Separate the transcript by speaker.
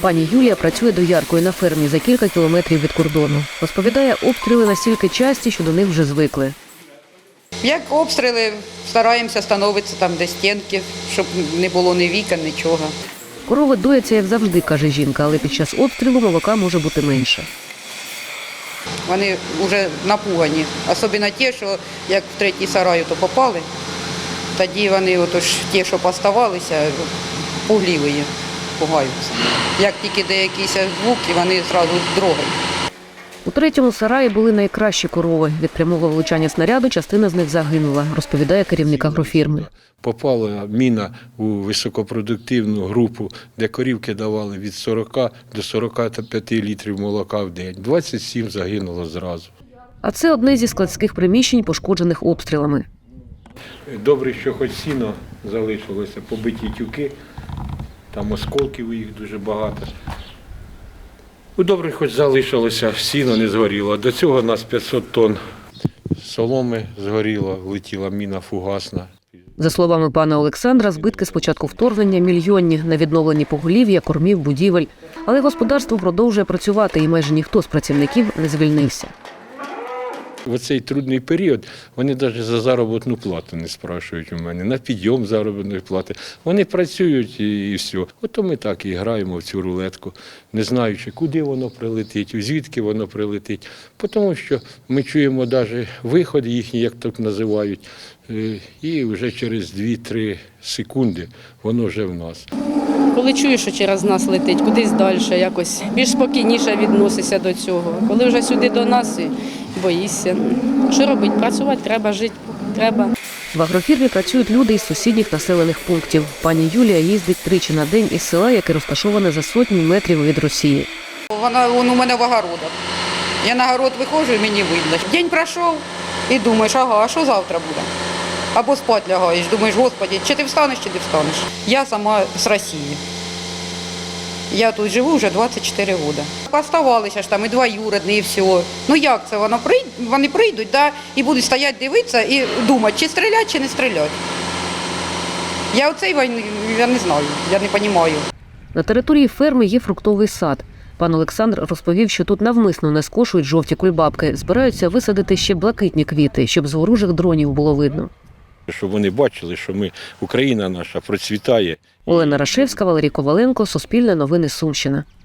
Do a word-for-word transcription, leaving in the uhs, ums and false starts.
Speaker 1: Пані Юлія працює дояркою на фермі за кілька кілометрів від кордону. Розповідає, обстріли настільки часті, що до них вже звикли.
Speaker 2: Як обстріли, стараємося становитися там, де стінки, щоб не було ні вікон, нічого.
Speaker 1: Корови дояться, як завжди, каже жінка, але під час обстрілу молока може бути менше.
Speaker 2: Вони вже напугані. Особливо ті, що як в третій сарай то попали, тоді вони, отож, ті, що поставалися, пугливі, пугаються. Як тільки де якісь звуки, вони одразу дрогають.
Speaker 1: У третьому сараї були найкращі корови. Від прямого влучання снаряду частина з них загинула, розповідає керівник агрофірми.
Speaker 3: Попала міна у високопродуктивну групу, де корівки давали від сорока до сорока п'яти літрів молока в день. двадцять сім загинуло зразу.
Speaker 1: А це одне зі складських приміщень, пошкоджених обстрілами.
Speaker 3: Добре, що хоч сіно залишилося, побиті тюки, там осколків їх дуже багато. Ну, добре, хоч залишилося, сіно не згоріло. До цього у нас п'ятсот тонн соломи згоріло, летіла міна фугасна.
Speaker 1: За словами пана Олександра, збитки з початку вторгнення мільйонні на відновленні поголів'я, кормів, будівель. Але господарство продовжує працювати і майже ніхто з працівників не звільнився.
Speaker 3: В цей трудний період вони навіть за заробітну плату не спрашують у мене, на підйом заробітної плати. Вони працюють і, і все. Ото ми так і граємо в цю рулетку, не знаючи, куди воно прилетить, звідки воно прилетить. Тому що ми чуємо навіть виход їхній, як так називають, і вже через дві-три секунди воно вже в нас.
Speaker 4: Коли чуєш, що через нас летить, кудись далі, якось більш спокійніше відносишся до цього. Коли вже сюди до нас, і боїшся. Що робити? Працювати треба, жити треба.
Speaker 1: В агрофірмі працюють люди із сусідніх населених пунктів. Пані Юлія їздить тричі на день із села, яке розташоване за сотні метрів від Росії.
Speaker 2: Вона, вона у мене в огородах. Я на город виходжу і мені видно. День пройшов і думаєш, ага, а що завтра буде? Або спать лягаєш, думаєш, Господи, чи ти встанеш, чи ти встанеш. Я сама з Росії. Я тут живу вже двадцять чотири роки. Поставалися ж там і двоюрідні, і все. Ну як це? Воно прийд... Вони прийдуть, да, і будуть стояти, дивитися і думати, чи стріляти, чи не стріляти. Я оцей війни, я не знаю, я не розумію.
Speaker 1: На території ферми є фруктовий сад. Пан Олександр розповів, що тут навмисно не скошують жовті кульбабки. Збираються висадити ще блакитні квіти, щоб з ворожих дронів було видно.
Speaker 3: Щоб вони бачили, що ми, Україна наша процвітає.
Speaker 1: Олена Рашевська, Валерій Коваленко, Суспільне новини, Сумщина.